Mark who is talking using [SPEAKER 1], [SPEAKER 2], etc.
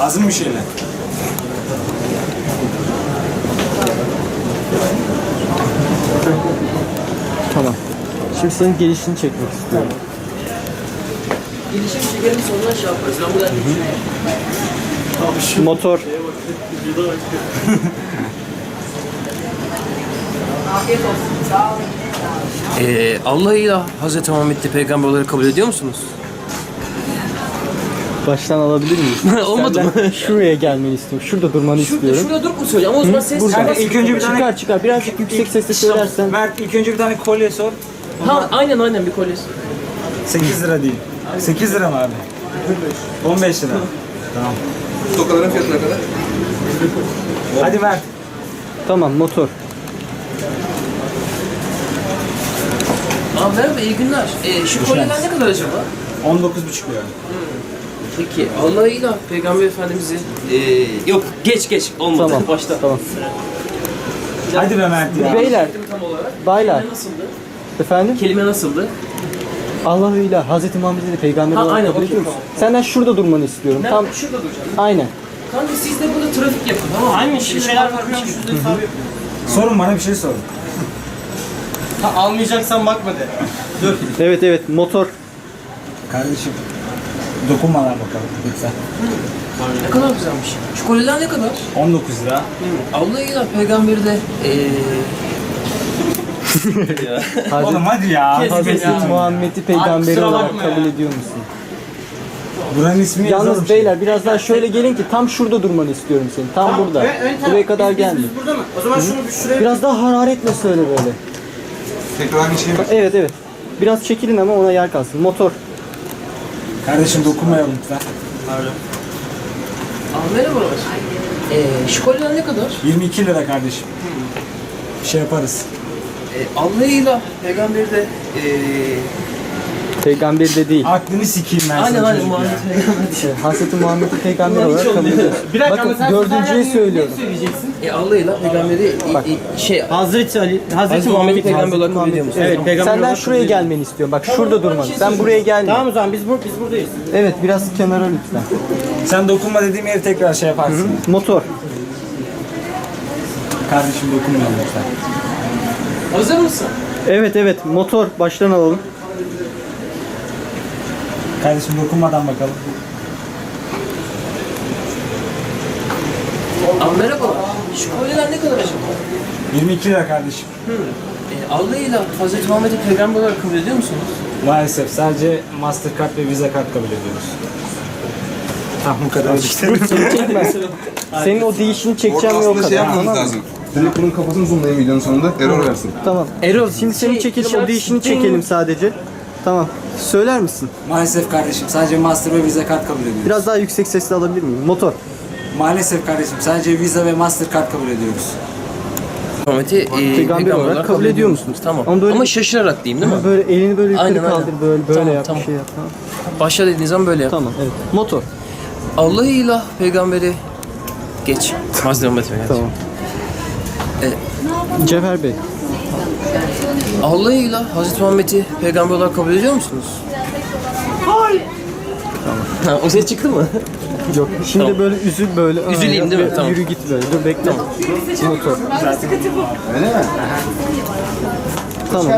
[SPEAKER 1] Lazım mı bir şeyler?
[SPEAKER 2] Tamam. Şimdi senin gelişini çekmek istiyorum.
[SPEAKER 3] Gelişim çekelim sonra şey yaparız. Ben buradan
[SPEAKER 2] Motor.
[SPEAKER 4] Afiyet olsun. Sağ olun.
[SPEAKER 3] Allah'ıyla Hazreti Muhammed'i peygamber olarak kabul ediyor musunuz?
[SPEAKER 2] Baştan alabilir miyiz?
[SPEAKER 3] Olmadı mı?
[SPEAKER 2] Senden şuraya gelmeni istiyorum. Şurada durmanı istiyorum.
[SPEAKER 3] Şurada durup mu söyleyeceğim? Ama o zaman ses
[SPEAKER 2] Burada.
[SPEAKER 3] çıkmaz.
[SPEAKER 1] İlk önce bir tane...
[SPEAKER 2] Çıkar çıkar. Birazcık yüksek sesle söylersen.
[SPEAKER 1] Mert ilk önce bir tane kolye sor.
[SPEAKER 3] Ha, aynen bir kolyesi.
[SPEAKER 1] 8 lira değil. 8 lira mı abi? 15 lira. Tamam.
[SPEAKER 5] Tokaların fiyatı ne kadar?
[SPEAKER 1] Hadi Mert.
[SPEAKER 2] Tamam, motor.
[SPEAKER 3] Merhaba, iyi günler. Şu kolyeler ne kadar acaba?
[SPEAKER 1] 19,5 lira.
[SPEAKER 3] Peki, Allah'ıyla Peygamber Efendimiz'i... yok, geç. Olmadı.
[SPEAKER 2] Tamam.
[SPEAKER 3] Başta.
[SPEAKER 2] Tamam.
[SPEAKER 1] Hadi be Mert ya.
[SPEAKER 2] Beyler,
[SPEAKER 3] Tam olarak.
[SPEAKER 2] baylar.
[SPEAKER 3] Kelime nasıldı?
[SPEAKER 2] Efendim?
[SPEAKER 3] Kelime nasıldı?
[SPEAKER 2] Allah'ıyla Hazreti Muhammed'i de peygamber
[SPEAKER 3] Ha,
[SPEAKER 2] olarak
[SPEAKER 3] aynen,
[SPEAKER 2] kabul
[SPEAKER 3] okey,
[SPEAKER 2] ediyor musun?
[SPEAKER 3] tamam.
[SPEAKER 2] Senden şurada durmanı istiyorum.
[SPEAKER 3] Ben
[SPEAKER 2] Tam
[SPEAKER 3] şurada duracağım.
[SPEAKER 2] aynen.
[SPEAKER 3] Kanka siz de burada trafik yapın, tamam mı? Aynen, şimdi neler bakıyormuş, şurada hesabı yapın.
[SPEAKER 1] Sorun bana bir şey sorun.
[SPEAKER 6] Almayacaksan bakma de.
[SPEAKER 2] Evet, motor.
[SPEAKER 1] Kardeşim dokunmadan bakalım lütfen.
[SPEAKER 3] Ne kadar güzelmiş. Şu kolyeler ne kadar?
[SPEAKER 1] 19 lira.
[SPEAKER 3] Allah'ıyla Peygamberi de...
[SPEAKER 1] Oğlum hadi ya.
[SPEAKER 2] Hazreti Muhammed'i peygamber
[SPEAKER 6] kusura
[SPEAKER 2] olarak
[SPEAKER 6] bakma
[SPEAKER 2] kabul
[SPEAKER 6] ya.
[SPEAKER 2] ediyor musun?
[SPEAKER 1] Buranın ismi
[SPEAKER 2] Yalnız
[SPEAKER 1] yazalım.
[SPEAKER 2] beyler biraz daha şöyle gelin ki tam şurada durmanı istiyorum senin. Tam burada. Buraya kadar gelme.
[SPEAKER 6] Biz burada mı? O zaman şunu bir şuraya...
[SPEAKER 2] Biraz daha hararetle söyle böyle.
[SPEAKER 5] Tekrar bir şey mi?
[SPEAKER 2] Evet. Biraz çekilin ama ona yer kalsın. Motor.
[SPEAKER 1] Kardeşim dokunmayalım lütfen.
[SPEAKER 3] Merhabalar. Şu kolyeler ne kadar?
[SPEAKER 1] 22 lira kardeşim. Bir şey yaparız.
[SPEAKER 3] Allah'ıyla Peygamberi de...
[SPEAKER 2] Peygamber de değil.
[SPEAKER 1] Aklını sikeyim ben
[SPEAKER 3] Aynen
[SPEAKER 1] sana çocuk
[SPEAKER 3] Muhammed
[SPEAKER 1] ya.
[SPEAKER 3] Peygamber.
[SPEAKER 2] Hazreti Muhammed'i peygamber olarak kabul ediyorsun.
[SPEAKER 6] Bir dakika ama
[SPEAKER 2] Bakın
[SPEAKER 6] sen
[SPEAKER 2] dördüncüyü söylüyorum.
[SPEAKER 6] söyleyeceksin.
[SPEAKER 3] Allah'ıyla Peygamberi
[SPEAKER 6] Hazreti Ali,
[SPEAKER 3] Hazreti Muhammed'i peygamber olarak kabul ediyor musun?
[SPEAKER 6] Evet, peygamber
[SPEAKER 2] Senden
[SPEAKER 6] olarak
[SPEAKER 2] şuraya gelmeni istiyorum. Bak şurada durmanı. Sen buraya gelme.
[SPEAKER 6] Tamam o zaman biz buradayız.
[SPEAKER 2] Evet biraz kenara lütfen.
[SPEAKER 1] Sen dokunma dediğim yeri tekrar şey yaparsın.
[SPEAKER 2] Motor.
[SPEAKER 1] Kardeşim dokunmayalım lütfen.
[SPEAKER 3] Hazır mısın?
[SPEAKER 2] Evet motor. Baştan alalım.
[SPEAKER 1] Kardeşim dokunmadan bakalım.
[SPEAKER 3] Merhabalar. Şu kolyeler ne kadar acaba?
[SPEAKER 1] 22 lira kardeşim.
[SPEAKER 3] Allah'ıyla Hazreti Muhammed'i peygamber olarak kabul ediyor musunuz?
[SPEAKER 1] Maalesef sadece Mastercard ve Visa kart kabul ediyoruz. Tamam bu kadar işte.
[SPEAKER 2] Çekme. Senin o değişini çekeceğim
[SPEAKER 5] Orada
[SPEAKER 2] ve o
[SPEAKER 5] aslında şey
[SPEAKER 2] kadar.
[SPEAKER 5] yapmamız
[SPEAKER 2] Tamam mı?
[SPEAKER 5] lazım. Direkt bunun kafasını zoomlayayım videonun sonunda. Error versin.
[SPEAKER 2] Tamam.
[SPEAKER 3] Erol,
[SPEAKER 2] Şimdi senin çekiliş o değişini çekelim sadece. Tamam. Söyler misin?
[SPEAKER 1] Maalesef kardeşim sadece Master ve Visa kart kabul ediyoruz.
[SPEAKER 2] Biraz daha yüksek sesle alabilir miyim? Motor.
[SPEAKER 1] Maalesef kardeşim sadece Visa ve Mastercard kabul ediyoruz.
[SPEAKER 3] Muhammed'i
[SPEAKER 2] Peygamber olarak kabul ediyor musunuz?
[SPEAKER 3] Tamam.
[SPEAKER 2] Ama böyle-
[SPEAKER 3] Ama şaşırarak diyeyim değil mi?
[SPEAKER 2] Böyle elini böyle yukarı
[SPEAKER 3] Aynen, aynen.
[SPEAKER 2] kaldır böyle
[SPEAKER 3] Tamam,
[SPEAKER 2] yap
[SPEAKER 3] tamam.
[SPEAKER 2] bir şey yap. Tamam.
[SPEAKER 3] Başla dediğin zaman böyle yap.
[SPEAKER 2] Tamam evet. Motor.
[SPEAKER 3] Allah'ıyla peygamberi geç. Hazreti Muhammed'i geç.
[SPEAKER 2] Tamam. Cevher Bey.
[SPEAKER 3] Allah'ıyla Hazreti Muhammed'i peygamber olarak kabul ediyor musunuz? Hayır. Tamam. O ses çıktı mı?
[SPEAKER 2] Yok. Şimdi
[SPEAKER 3] Tamam.
[SPEAKER 2] böyle üzül böyle.
[SPEAKER 3] Üzüleyim
[SPEAKER 2] Aa,
[SPEAKER 3] değil mi?
[SPEAKER 2] yap,
[SPEAKER 3] Tamam.
[SPEAKER 2] Yürü git böyle. Dur bekle. Motor.
[SPEAKER 5] Öyle mi?
[SPEAKER 2] Tamam.